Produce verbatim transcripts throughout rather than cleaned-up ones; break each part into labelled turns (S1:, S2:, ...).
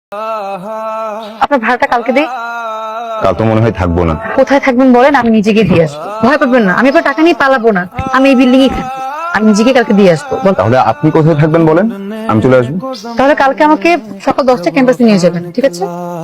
S1: আপনার ভাড়াটা কালকে দিই।
S2: কাল তো মনে হয় থাকবো না।
S1: কোথায় থাকবেন বলেন, আমি নিজেকে দিয়ে আসবো। ভয় পাবেন না, আমি আপনার টাকা নিয়ে পালাবো না। আমি এই বিল্ডিং এ থাকি, আমি নিজেকে কালকে দিয়ে আসবো।
S2: তাহলে আপনি কোথায় থাকবেন বলেন, আমি চলে আসবো।
S1: তাহলে কালকে আমাকে সকাল দশটা ক্যাম্পাসে নিয়ে যাবেন, ঠিক আছে?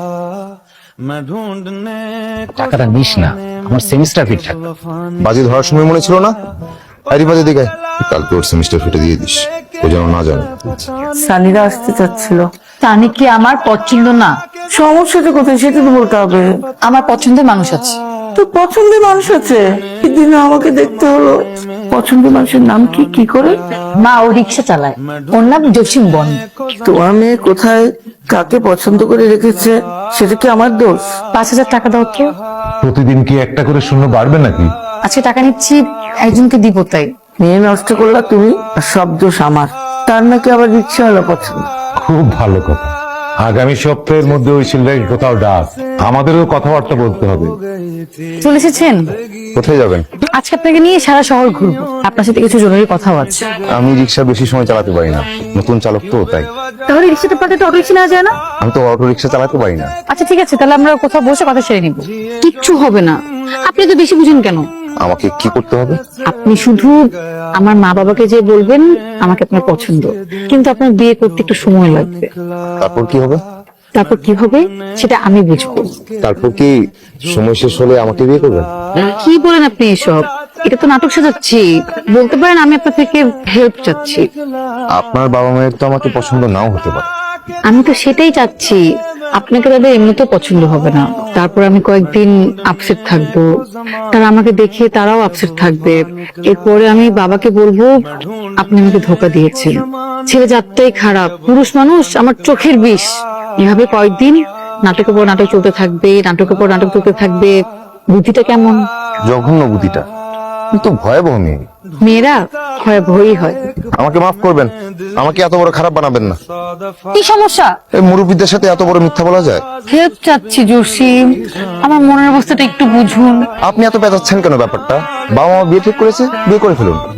S3: টাকাটা নিস না, আমার সেমিস্টার ফি থাকবে।
S2: বাজি ধরার সময় মনে ছিল না? আরে বাজে দিকে কালকে ওর সেমিস্টার ফিটে দিয়ে দিস, ও যেন না জানে।
S4: সানিরা আসতে চাচ্ছিল।
S1: তানি কি আমার পছন্দ না?
S4: সমস্যাটা কোথায় সেটা তো বলতে হবে।
S1: আমার পছন্দের মানুষ আছে।
S4: তোর পছন্দের মানুষ আছে? সেদিন আমাকে দেখতে হলো। পছন্দের মানুষের নাম কি কি করে?
S1: মা ও রিক্সা চালায়, ওর নাম জসিম বন।
S4: তোমার মেয়ে কোথায় কাকে পছন্দ করে রেখেছে সেটা কি আমার দোষ?
S1: পাঁচ হাজার টাকা দাও তো।
S5: প্রতিদিন কি একটা করে শূন্য বাড়বে নাকি?
S1: আজকে টাকা নিচ্ছি, একজনকে দিব তাই।
S4: মেয়ে নষ্ট করলা তুমি, আর সব দোষ আমার। তার নাকি আবার রিক্সাওয়ালা পছন্দ।
S5: খুব ভালো কথা। আগামী সপ্তাহের মধ্যে ওই ছেলেটাকে কোথাও ডাক, আমাদেরও কথাবার্তা বলতে হবে।
S1: চলে এসেছেন?
S2: কোথায় যাবেন?
S1: আজকে আপনাকে নিয়ে সারা শহর ঘুরবো, আপনার সাথে কিছু জরুরি কথাও আছে।
S2: আমি রিক্সা বেশি সময় চালাতে পারি না, নতুন চালক তো তাই।
S1: তাহলে রিক্সাটা পাঠাতে অটো রিক্সা নেওয়া যায় না?
S2: আমি তো অটো রিক্সা চালাতে পারি না।
S1: আচ্ছা ঠিক আছে, তাহলে আমরা কোথাও বসে কথা সেরে নিব। কিচ্ছু হবে না, আপনি তো বেশি বুঝেন কেন?
S2: আমাকে কি করতে হবে?
S1: আপনি শুধু আমার মা বাবাকে যে বলবেন আমাকে আপনার পছন্দ, কিন্তু আপনার বিয়ে করতে একটু সময় লাগবে।
S2: তারপর কি হবে?
S1: তারপর কি হবে সেটা আমি বুঝবো।
S2: তারপর কি সময় শেষ হলে আমাকে বিয়ে করবেন?
S1: কি বলেন আপনি এসব? এটা তো নাটক সাজাচ্ছি। বলতে পারেন আমি আপনার থেকে হেল্প চাচ্ছি।
S2: আপনার বাবা মায়ের তো আমাকে পছন্দ নাও হতে পারে।
S1: আমি তো সেটাই চাচ্ছি, আপনাকে তাদের এমনিতেও পছন্দ হবে না। তারপর আমি কয়েকদিন আপসেট থাকবো, তারা আমাকে দেখে তারাও আপসেট থাকবে। এরপরে আমি বাবাকে বলবো আপনি আমাকে ধোকা দিয়েছেন, ছেলে জাতটাই খারাপ, পুরুষ মানুষ আমার চোখের বিষ। এভাবে কয়েকদিন নাটকের পর নাটক চলতে থাকবে, নাটকের পর নাটক চলতে থাকবে। বুদ্ধিটা কেমন?
S2: জঘন্য বুদ্ধিটা, কিন্তু ভয়াবহ মেয়ে।
S1: মেয়েরা ভয়াবহই হয়।
S2: আমাকে মাফ করবেন, আমাকে এত বড় খারাপ বানাবেন না।
S1: কি সমস্যা?
S2: এই মুরব্বীদের সাথে এত বড় মিথ্যা বলা যায়?
S1: হেল্প চাচ্ছি জসিম, আমার মনের অবস্থাটা একটু বুঝুন।
S2: আপনি এত পেঁচাচ্ছেন কেন ব্যাপারটা? বাবা মা বিয়ে ঠিক করেছে, বিয়ে করে ফেলুন।